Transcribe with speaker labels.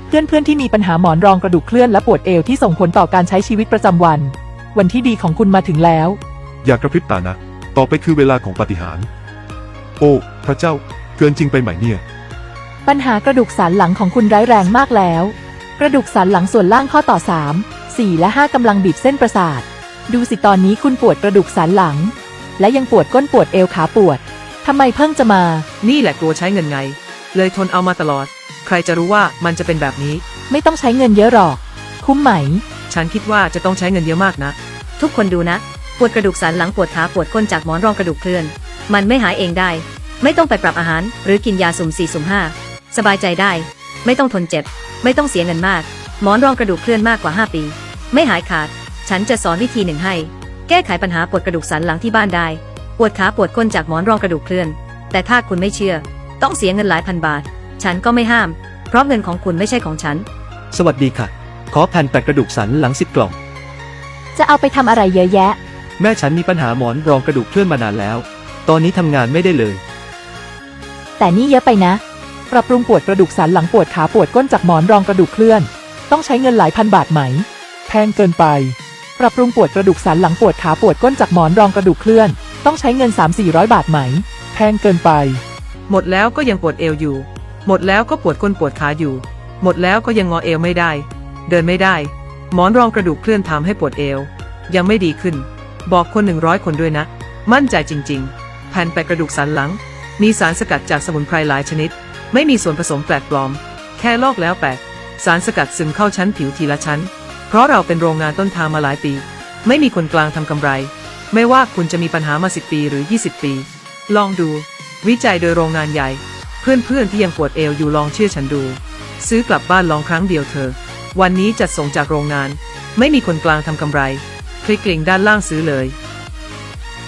Speaker 1: เพื่อนๆที่มีปัญหาหมอนรองกระดูกเคลื่อนและปวดเอวที่ส่งผลต่อการใช้ชีวิตประจำวัน วันที่ดีของคุณมาถึงแล้ว
Speaker 2: อย่ากระพริบตานะ ต่อไปคือเวลาของปาฏิหาริย์โอ้ พระเจ้า เกินจริงไปไหมเนี่ย
Speaker 1: ปัญหากระดูกสันหลังของคุณร้ายแรงมากแล้ว กระดูกสันหลังส่วนล่างข้อต่อ 3, 4 และ 5กำลังบีบเส้นประสาท ดูสิตอนนี้คุณปวดกระดูกสันหลัง และยังปวดก้นปวดเอวขาปวดทำไมเพิ่งจะมา
Speaker 3: นี่แหละกลัวใช้เงินไง เลยทนเอามาตลอด ใครจะรู้ว่ามันจะเป็นแบบนี้
Speaker 1: ไม่ต้องใช้เงินเยอะหรอก คุ้มไหม
Speaker 3: ฉันคิดว่าจะต้องใช้เงินเยอะมากนะ
Speaker 4: ทุกคนดูนะ ปวดกระดูกสันหลังปวดขาปวดก้นจากหมอนรองกระดูกเคลื่อน มันไม่หายเองได้ ไม่ต้องไปปรับอาหารหรือกินยาสุ่ม4สุ่ม5สบายใจได้ ไม่ต้องทนเจ็บ ไม่ต้องเสียเงินมาก หมอนรองกระดูกเคลื่อนมากกว่า5 ปี ไม่หายขาด ฉันจะสอนวิธีหนึ่งให้ แก้ไขปัญหาปวดกระดูกสันหลังที่บ้านได้ ปวดขาปวดก้นจากหมอนรองกระดูกเคลื่อน แต่ถ้าคุณไม่เชื่อ ต้องเสียเงินหลายพันบาท ฉันก็ไม่ห้าม เพราะเงินของคุณไม่ใช่ของฉัน
Speaker 5: สวัสดีค่ะ ขอแผ่นแปะกระดูกสันหลัง10 กล่อง
Speaker 1: จะเอาไปทำอะไรเยอะแยะ
Speaker 5: แม่ฉันมีปัญหาหมอนรองกระดูกเคลื่อนมานานแล้ว ตอนนี้ทำงานไม่ได้เลย
Speaker 1: แต่นี่เยอะไปนะ ปรับปรุงปวดกระดูกสันหลังปวดขาปวดก้นจากหมอนรองกระดูกเคลื่อน ต้องใช้เงินหลายพันบาทไหม แพงเกินไป ปรับปรุงปวดกระดูกสันหลังปวดขาปวดก้นจากหมอนรองกระดูกเคลื่อน ต้องใช้เงิน 300-400 บาทไหม แพงเกินไป
Speaker 3: หมดแล้วก็ยังปวดเอวอยู่ หมดแล้วก็ปวดก้นปวดขาอยู่ หมดแล้วก็ยังงอเอวไม่ได้ เดินไม่ได้ หมอนรองกระดูกเคลื่อนทำให้ปวดเอว ยังไม่ดีขึ้น บอกคน100 คนด้วยนะ มั่นใจจริงๆ แผ่นแปะกระดูกสันหลัง มีสารสกัดจากสมุนไพรหลายชนิด ไม่มีส่วนผสมแปลกปลอม แค่ลอกแล้วแปะ สารสกัดซึมเข้าชั้นผิวทีละชั้น เพราะเราเป็นโรงงานต้นทางมาหลายปี ไม่มีคนกลางทำกำไร ไม่ว่าคุณจะมีปัญหามา10 ปีหรือ20 ปี ลองดู วิจัยโดยโรงงานใหญ่ เพื่อนๆที่ยังปวดเอวอยู่ลองเชื่อฉันดู ซื้อกลับบ้านลองครั้งเดียวเธอ วันนี้จัดส่งจากโรงงาน ไม่มีคนกลางทำกำไร คลิกลิงก์ด้านล่างซื้อเลย